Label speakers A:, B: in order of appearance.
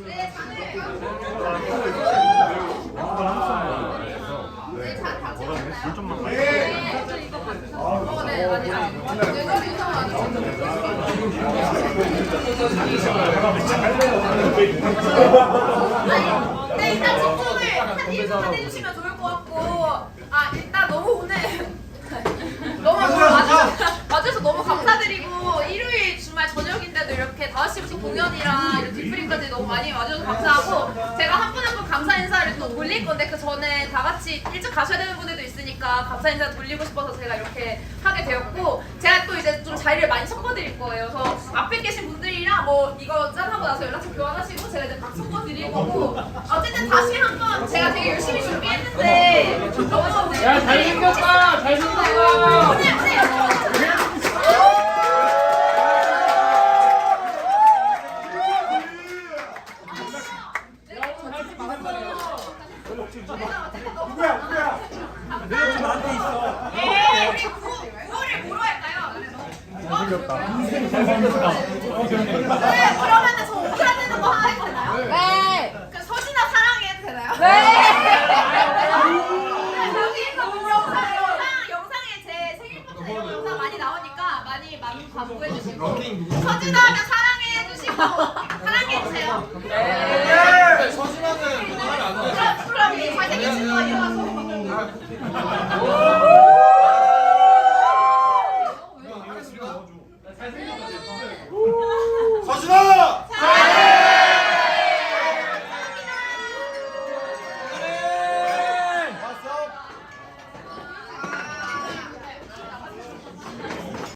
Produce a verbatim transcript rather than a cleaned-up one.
A: 네, 일단 집중을 한 일 분만 해주시면 좋을 것 같고, 아 일단 너무 오늘 너무 와주셔서, 와주셔서 너무 감사드리고, 일요일 주말 저녁인데도 이렇게 다섯 시부터 공연이랑 이렇게 뒤풀이까지 너무 많이 와주셔서 감사하고, 제가 한 분 한 분 감사 인사를 또 돌릴 건데 그 전에 다 같이 일찍 가셔야 되는 분들도 있으니까 감사 인사 돌리고 싶어서 제가 이렇게 하게 되었고, 제가 또 이제 좀 자리를 많이 섞어드릴 거예요. 그래서 앞에 계신 분들이랑 뭐 이거 짠하고 나서 연락처 교환하시고 제가 이제 각 섞어드릴 거고, 어쨌든 다시 한번 제가 되게 열심히 준비했는데 너무
B: 야, 잘생겼다! 잘생겼다!
A: 오늘 오늘
C: 누구야 누구야? 내가 나한테 있어.
A: 예, 우리 구호를 뭐로 할까요?
C: 잘생겼다. 잘생겼다.
A: 네, 그러면은 저 오프라 되는 거 하나 해도 되나요?
D: 네.
A: 그 서진아 사랑해 해도 되나요?
D: 네.
A: 여기서 영상, 영상, 영상에 제 생일부터 이런 영상 많이 나오니까 많이 많이 광고해 주시고, 서진아 하면 사랑해 해주시고 사랑해 주세요.
B: 네. 서진아는 하면 안 돼.
A: 그럼 그럼 이 잘생긴 친구가 일어나서.
B: 서진아!